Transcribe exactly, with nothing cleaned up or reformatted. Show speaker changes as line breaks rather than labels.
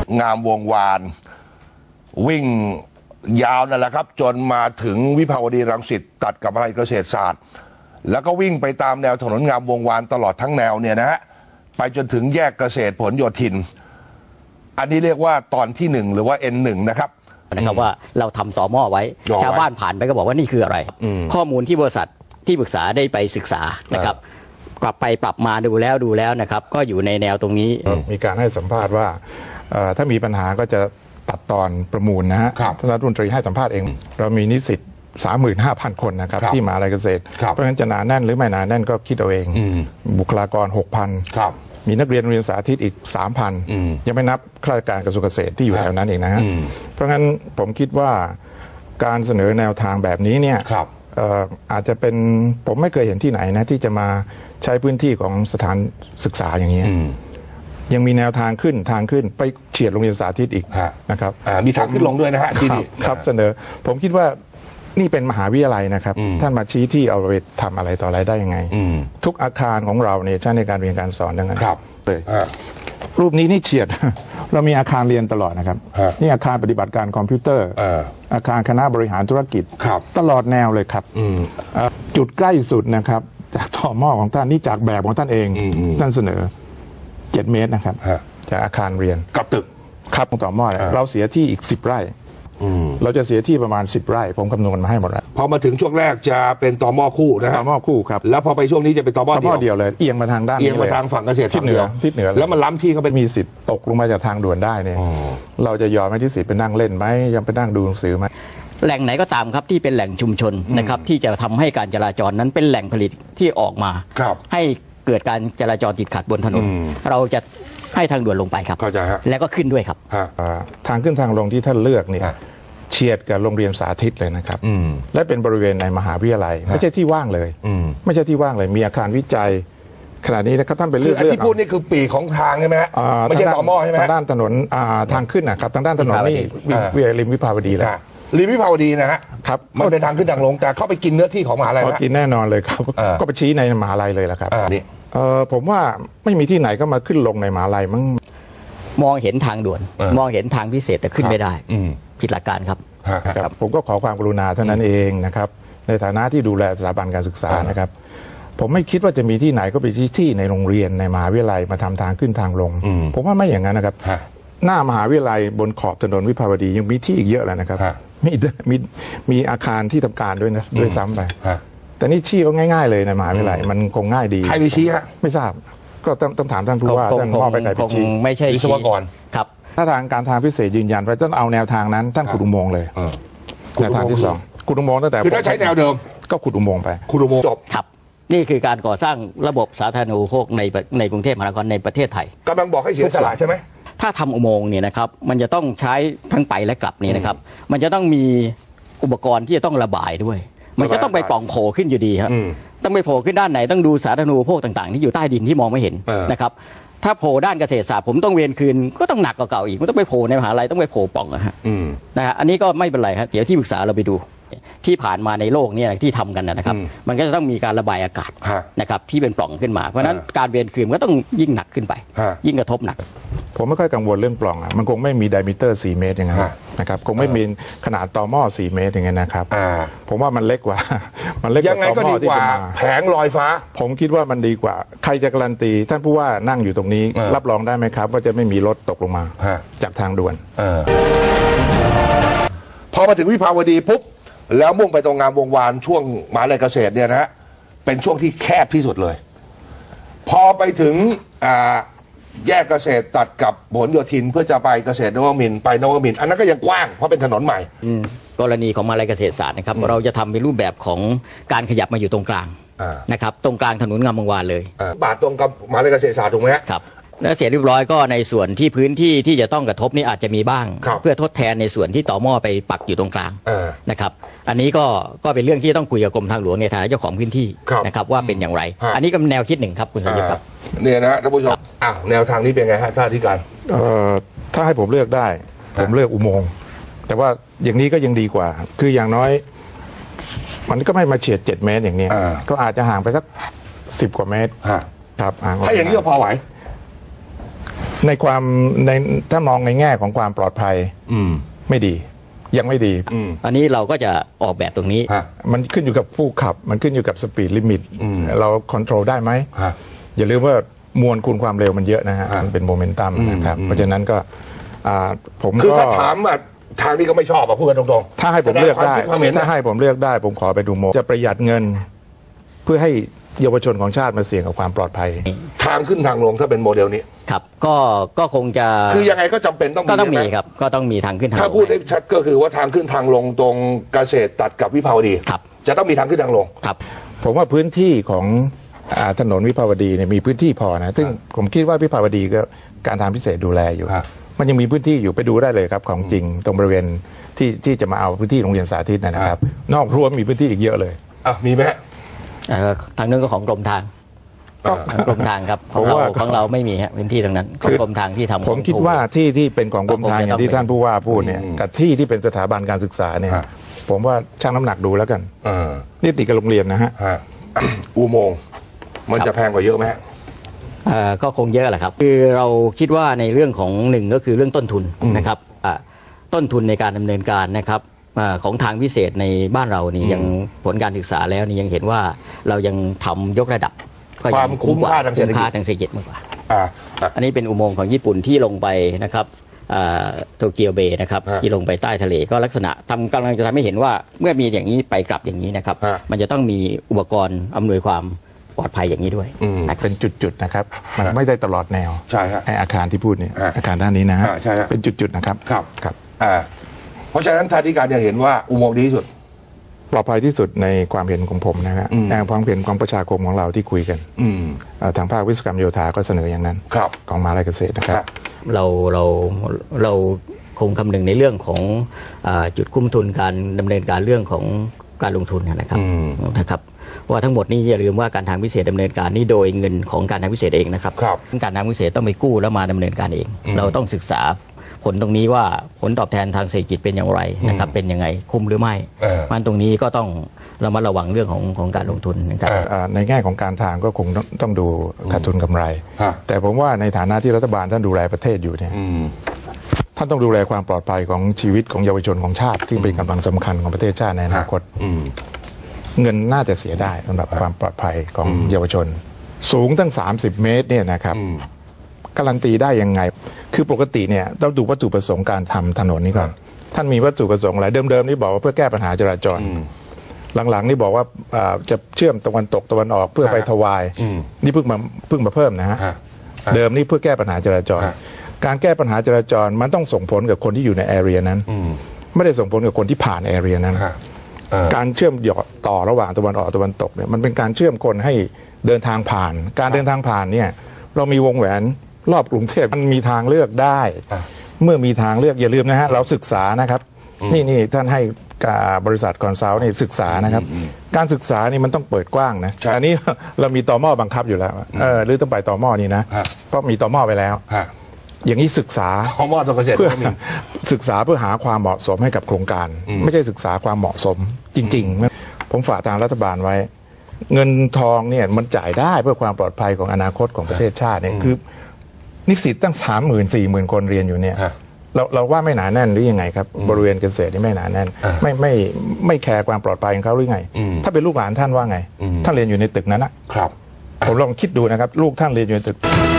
งามวงวานวิ่งยาวนั่นแหละครับจนมาถึงวิภาวดีรังสิตตัดกับมหาวิทยาลัยเกษตรศาสตร์แล้วก็วิ่งไปตามแนวถนนงามวงวานตลอดทั้งแนวเนี่ยนะฮะไปจนถึงแยกเกษตรผลโยธินอันนี้เรียกว่าตอนที่หนึ่งหรือว่า เอ็น หนึ่ง นะครับ
นะครับว่าเราทำต่อหม้อไว้ชาวบ้านผ่านไปก็บอกว่านี่คืออะไรข้อมูลที่บริษัทที่ปรึกษาได้ไปศึกษานะครับกลับไปปรับมาดูแล้วดูแล้วนะครับก็อยู่ในแนวตรงนี้
มีการให้สัมภาษณ์ว่าถ้ามีปัญหาก็จะตัดตอนประมูลนะฮะท่านรัฐมนตรีให้สัมภาษณ์เองเรามีนิสิต สามหมื่นห้าพัน คนนะครับที่มหาวิทยาลัยเกษตรเพราะฉะนั้นจะหนาแน่นหรือไม่หนาแน่นก็คิดเอาเองบุคลากร หกพัน มีนักเรียนเรียนสาธิตอีก สามพัน ยังไม่นับข้าราชการกระทรวงเกษตรที่อยู่แถวนั้นเองนะฮะเพราะงั้นผมคิดว่าการเสนอแนวทางแบบนี้เนี่ยอาจจะเป็นผมไม่เคยเห็นที่ไหนนะที่จะมาใช้พื้นที่ของสถานศึกษาอย่างนี้ยังมีแนวทางขึ้นทางขึ้นไปเฉียดโรงเรียนสาธิตอีกนะครับ
มีทางขึ้นลงด้วยนะฮะที่นี่
ครับเสนอผมคิดว่านี่เป็นมหาวิทยาลัยนะครับท่านมาชี้ที่เอาไปทำอะไรต่ออะไรได้ยังไงทุกอาคารของเราเนี่ยใช้ในการเรียนการสอนดังนั้นเลยรูปนี้นี่เฉียดเรามีอาคารเรียนตลอดนะครับนี่อาคารปฏิบัติการคอมพิวเตอร์อาคารคณะบริหารธุรกิจตลอดแนวเลยครับจุดใกล้สุดนะครับจากต่อหม้อของท่านนี่จากแบบของท่านเองท่านเสนอเจ็ดเมตรนะครับจากอาคารเรียน
กับตึก
ครับต่อหม้อเราเสียที่อีกสิบไร่เราจะเสียที่ประมาณสิบไร่ผมคำนวณมาให้หมดแล้ว
พอมาถึงช่วงแรกจะเป็นต่อหม้อคู่นะ
ต่อหม้อคู่ครับ
แล้วพอไปช่วงนี้จะเป็นต่อหม้อ
เดียวเลยเอียงมาทางด้าน
เอียงมาทางฝั่งเกษตร
ทิศเหนือทิศเหนือ
แล้วมันล้ำที่เขาเป็น
มีสิทธิ์ตกลงมาจากทางด่วนได้เนี่ยเราจะยอมให้ที่สิทธิ์ไปนั่งเล่นไหมยังไปนั่งดูหนังสือไหม
แหล่งไหนก็ตามครับที่เป็นแหล่งชุมชนนะครับที่จะทำให้การจราจรนั้นเป็นแหล่งผลิตที่ออกมาให้เกิดการจราจรติดขัดบนถนนเราจะให้ทางด่วนลงไปครับ
เข้าใจครับ
แล้วก็ขึ้นด้วยครับ
ทางขึ้นทางลงที่ท่านเลือกเนี่ยเฉียดกับโรงเรียนสาธิตเลยนะครับและเป็นบริเวณในมหาวิทยาลัยไม่ใช่ที่ว่างเลยไม่ใช่ที่ว่างเลยมีอาคารวิจัยขณะนี้นะครับท่านไปเลือก
ที่พูดนี่คือปีของทางใช่ไหมฮะไม่ใช่ต่อหม้อใช่ไหม
ทางด้านถนนทางขึ้นนะครับทางด้านถนนนี่วิริมวิภาวดีเลย
ริมวิภาวดีนะฮะครับมันเป็นทางขึ้นทางลงแต่เข้าไปกินเนื้อที่ของมหาลัย
กินแน่นอนเลยครับก็ไปชี้ในมหาลัยเลยแหละครับนี่ผมว่าไม่มีที่ไหนก็มาขึ้นลงในมหาลัยมั้ง
มองเห็นทางด่วนมองเห็นทางพิเศษแต่ขึ้นไม่ได้ผิดหลักการครับ
ครับผมก็ขอความกรุณาเท่านั้นเองนะครับในฐานะที่ดูแลสถาบันการศึกษานะครับผมไม่คิดว่าจะมีที่ไหนก็ไปที่ที่ในโรงเรียนในมหาวิทยาลัยมาทำทางขึ้นทางลงผมว่าไม่อย่างนั้นนะครับหน้ามหาวิทยาลัยบนขอบถนนวิภาวดียังมีที่อีกเยอะเลยนะครับมีมีมีอาคารที่ทำการด้วยนะด้วยซ้ำไปแต่นี่ชี้ก็ง่ายๆเลยในมหาวิทยาลัยมันคงง่ายดี
ใครไปชี้ฮะ
ไม่ทราบก็ต้องถามท่านผู้ว่าท่านมอบไปใครไปชี้
ไม่ใช่
วิศวกร
ครับ
ถ้าทางการทางพิเศษยืนยันว่าต้องเอาแนวทางนั้นท่านขุดอุโมงค์เลยแนวทางที่สองขุดอุโมงค์ตั้งแต่
คือถ้าใช้แนวเดิม
ก็ขุดอุโมงค์ไป
ขุดอุโมงค์จบ
ครับนี่คือการก่อสร้างระบบสาธารณูปโภคในในกรุงเทพมหานครในประเทศไทย
กำลังบอกให้เสียสละใช่ไหม
ถ้าทำอุโมงค์เนี่ยนะครับมันจะต้องใช้ทั้งไปและกลับนี่นะครับมันจะต้องมีอุปกรณ์ที่จะต้องระบายด้วยมันจะต้องไปปล่องโผล่ขึ้นอยู่ดีครับต้องไปโผล่ขึ้นด้านไหนต้องดูสาธารณูปโภคต่างๆที่อยู่ใต้ดินที่มองไม่เห็นนะครับถ้าโผล่ด้านเกษตรศาสตร์ผมต้องเวียนคืนก็ต้องหนักกว่าเก่าอีกมันต้องไปโผล่ในมหาลัยต้องไปโผล่ปล่องนะฮะนะฮะอันนี้ก็ไม่เป็นไรครับเดี๋ยวที่ปรึกษาเราไปดูที่ผ่านมาในโลกนี้ที่ทำกันนะครับมันก็จะต้องมีการระบายอากาศนะครับที่เป็นปล่องขึ้นมาเพราะฉะนั้นการเวียนคืนก็ต้องยิ่งหนักขึ้นไปยิ่งกระทบหนัก
ผมไม่ค่อยกังวลเรื่องปล่องอ่ะมันคงไม่มีไดมิเตอร์สี่เมตรอย่างนั้นนะครับคงไม่มีขนาดต่อหม้อสี่เมตรอย่างนั้นนะครับผมว่ามันเล็กกว่ามันเล็กกว่าต่อหม้อที่จะมา
แผงลอยฟ้า
ผมคิดว่ามันดีกว่าใครจะการันตีท่านผู้ว่านั่งอยู่ตรงนี้รับรองได้ไหมครับว่าจะไม่มีรถตกลงมาจากทางด่วน
พอมาถึงวิภาวดีปุ๊บแล้วมุ่งไปตรงงามวงวานช่วงมหาวิทยาลัยเกษตรเนี่ยนะฮะเป็นช่วงที่แคบที่สุดเลยพอไปถึงแยกเกษตรตัดกับผลโยธินเพื่อจะไปเกษตรนวมินทร์ไปนวมินทร์อันนั้นก็ยังกว้างเพราะเป็นถนนใหม่
กรณีของมหาวิทยาลัยเกษตรศาสตร์นะครับเราจะทำเป็นรูปแบบของการขยับมาอยู่ตรงกลางนะครับตรงกลางถนนงามวงวานเลย
บาทตรงกับมหาวิทยาลัยเกษตรศาสตร์ถูกไหม
ครับแล้วเสร็จเรียบร้อยก็ในส่วนที่พื้นที่ที่จะต้องกระทบนี่อาจจะมีบ้างเพื่อทดแทนในส่วนที่ต่อหม้อไปปักอยู่ตรงกลางนะครับอันนี้ก็ก็เป็นเรื่องที่ต้องคุยกับกรมทางหลวงในฐานะเจ้าของพื้นที่นะครับว่าเป็นอย่างไรอันนี้ก็เป็นแนวคิดหนึ่งครับคุณสมยศครับ
เนี่ยนะท่านผู้ชมอ้าวแนวทางนี้เป็นไงฮะท่านอธิการ
ถ้าให้ผมเลือกได้ผมเลือกอุโมงค์แต่ว่าอย่างนี้ก็ยังดีกว่าคืออย่างน้อยมันก็ไม่มาเฉียดเจ็ดเมตรอย่างนี้ก็อาจจะห่างไปสักสิบกว่าเมตร
ครับถ้าอย่างนี้ก็พอไหว
ในความในถ้ามองในแง่ของความปลอดภัย
อืม
ไม่ดียังไม่ดี
อันนี้เราก็จะออกแบบตรงนี้
มันขึ้นอยู่กับผู้ขับมันขึ้นอยู่กับสปีดลิมิตเราคอนโทรลได้ไหมอย่าลืมว่ามวลคูณความเร็วมันเยอะนะฮะมันเป็นโมเมนตัมนะครับเพราะฉะนั้นก็ผม
คือถ้าถามอ่ะทางนี้ก็ไม่ชอบอ่ะพูดกันตรงๆ
ถ้าให้ผมเลือกได้
ถ้า
ถ้าให้ผมเลือกได้ผมขอไปดูโมจะประหยัดเงิน เพื่อให้เยาวชนของชาติมาเสี่ยงกับความปลอดภัย
ทางขึ้นทางลงถ้าเป็นโมเดลนี้
ครับก็ก็คงจะ
คือยังไงก็จำเป็นต้องมี
ก็ต้องมีครับก็ต้องมีทางขึ้นทางลง
ถ้าพูดให้ชัดก็คือว่าทางขึ้นทางลงตรงเกษตรตัดกับวิภาวดี
ครับ
จะต้องมีทางขึ้นทางลง
ครับ
ผมว่าพื้นที่ของถนนวิภาวดีเนี่ยมีพื้นที่พอนะซึ่งผมคิดว่าวิภาวดีก็การทางพิเศษดูแลอยู่มันยังมีพื้นที่อยู่ไปดูได้เลยครับของจริงตรงบริเวณที่ที่จะมาเอาพื้นที่โรงเรียนสาธิตนะครับนอกรั้วมีพื้นที่อีกเยอะเลย
อ่ะมีไหม
ทางนั้นก็ของกรมทางกรมทางครับของเราของเราไม่มีฮะพื้นที่ตรงนั้นของกรมทางที่ทำ
ผมคิดว่าที่ที่เป็นของกรมทางอย่างที่ท่านผู้ว่าพูดเนี่ยกับที่ที่เป็นสถาบันการศึกษาเนี่ยผมว่าชั่งน้ำหนักดูแล้วกันนี่ติดกับโรงเรียนนะฮะ
อุโมงค์มันจะแพงกว่าเยอะไหม
ก็คงเยอะแหละครับคือเราคิดว่าในเรื่องของหนึ่งก็คือเรื่องต้นทุนนะครับต้นทุนในการดำเนินการนะครับของทางพิเศษในบ้านเรานี่ยังผลการศึกษาแล้วนี่ยังเห็นว่าเรายังทำยกระดับ
ความคุ้มค่าทางเศรษฐกิจ
ทางเศรษฐกิจมากกว่าอันนี้เป็นอุโมงค์ของญี่ปุ่นที่ลงไปนะครับโตเกียวเบย์นะครับที่ลงไปใต้ทะเลก็ลักษณะทำกำลังจะทำให้เห็นว่าเมื่อมีอย่างนี้ไปกลับอย่างนี้นะครับมันจะต้องมีอุปกรณ์อำนวยความปลอดภัยอย่างนี้ด้วย
เป็นจุดๆนะครับมันไม่ได้ตลอดแนว
ใช่ครับ
อาคารที่พูดเนี่ยอาคารด้านนี้นะฮะเป็นจุดๆนะครับ
ครับ
ครับ
เพราะฉะนั้นท่านที่การจะเห็นว่าอุโมงค์ดีที่สุด
ปลอดภัยที่สุดในความเห็นของผมนะครับในความเห็นของประชาคมของเราที่คุยกันทางภาควิศวกรรมโยธาก็เสนออย่างนั้นของมหาวิทยาลัยเกษตรนะครับ
เราเราเราคงคำนึงในเรื่องของจุดคุ้มทุนการดำเนินการเรื่องของการลงทุนนะครับนะครับว่าทั้งหมดนี้อย่าลืมว่าการทางพิเศษดำเนินการนี้โดยเงินของการทางพิเศษเองนะครับการทางพิเศษต้องไปกู้แล้วมาดำเนินการเองเราต้องศึกษาผลตรงนี้ว่าผลตอบแทนทางเศรษฐกิจเป็นอย่างไรนะครับเป็นยังไงคุ้มหรือไม่มันตรงนี้ก็ต้องเรามาระวังเรื่องของของการลงทุนนะครับ
ในแง่ของการทางก็คงต้องดูขาดทุนกำไรแต่ผมว่าในฐานะที่รัฐบาลท่านดูแลประเทศอยู่เนี่ยท่านต้องดูแลความปลอดภัยของชีวิตของเยาวชนของชาติที่เป็นกำลังสำคัญของประเทศชาติในอนาคตเงินน่าจะเสียได้สำหรับความปลอดภัยของเยาวชนสูงตั้งสามสิบเมตรเนี่ยนะครับการันตีได้ยังไงคือปกติเนี่ยต้องดูวัตถุประสงค์การทำถนนนี้ก่อนท่านมีวัตถุประสงค์อะไรเดิมๆนี่บอกว่าเพื่อแก้ปัญหาจราจรหลังๆนี่บอกว่าจะเชื่อมตะวันตกตะวันออกเพื่อไปทวายนี่เพิ่งมาเพิ่งมาเพิ่มนะฮะเดิมนี่เพื่อแก้ปัญหาจราจรการแก้ปัญหาจราจรมันต้องส่งผลกับคนที่อยู่ในแอเรียนั้นไม่ได้ส่งผลกับคนที่ผ่านแอเรียนั้นการเชื่อมต่อระหว่างตะวันออกตะวันตกเนี่ยมันเป็นการเชื่อมคนให้เดินทางผ่านการเดินทางผ่านเนี่ยเรามีวงแหวนรอบกรุงเทพมันมีทางเลือกได้เมื่อมีทางเลือกอย่าลืมนะฮะเราศึกษานะครับนี่นี่ท่านให้บริษัทคอนซัลท์นี่ศึกษานะครับการศึกษานี่มันต้องเปิดกว้างนะอันนี้เรามีตม.บังคับอยู่แล้วเออหรือต้องไปตม.นี่นะเพราะมีตม.ไปแล้วอย่างนี้ศึกษา
ตม.ตรงเกษตร
เพื่อศึกษาเพื่อหาความเหมาะสมให้กับโครงการไม่ใช่ศึกษาความเหมาะสมจริงๆผมฝากทางรัฐบาลไว้เงินทองเนี่ยมันจ่ายได้เพื่อความปลอดภัยของอนาคตของประเทศชาติเนี่ยคือนิสิตตั้งสามหมื่นสี่หมื่นคนเรียนอยู่เนี่ยเราเราว่าไม่หนาแน่นหรือยังไงครับบริเวณเกษตรนี่ไม่หนาแน่นไม่ไม่ไม่แคร์ความปลอดภัยของเขาหรือไงถ้าเป็นลูกหลานท่านว่าไงท่านเรียนอยู่ในตึกนั้นนะครับผมลองคิดดูนะครับลูกท่านเรียนอยู่ในตึก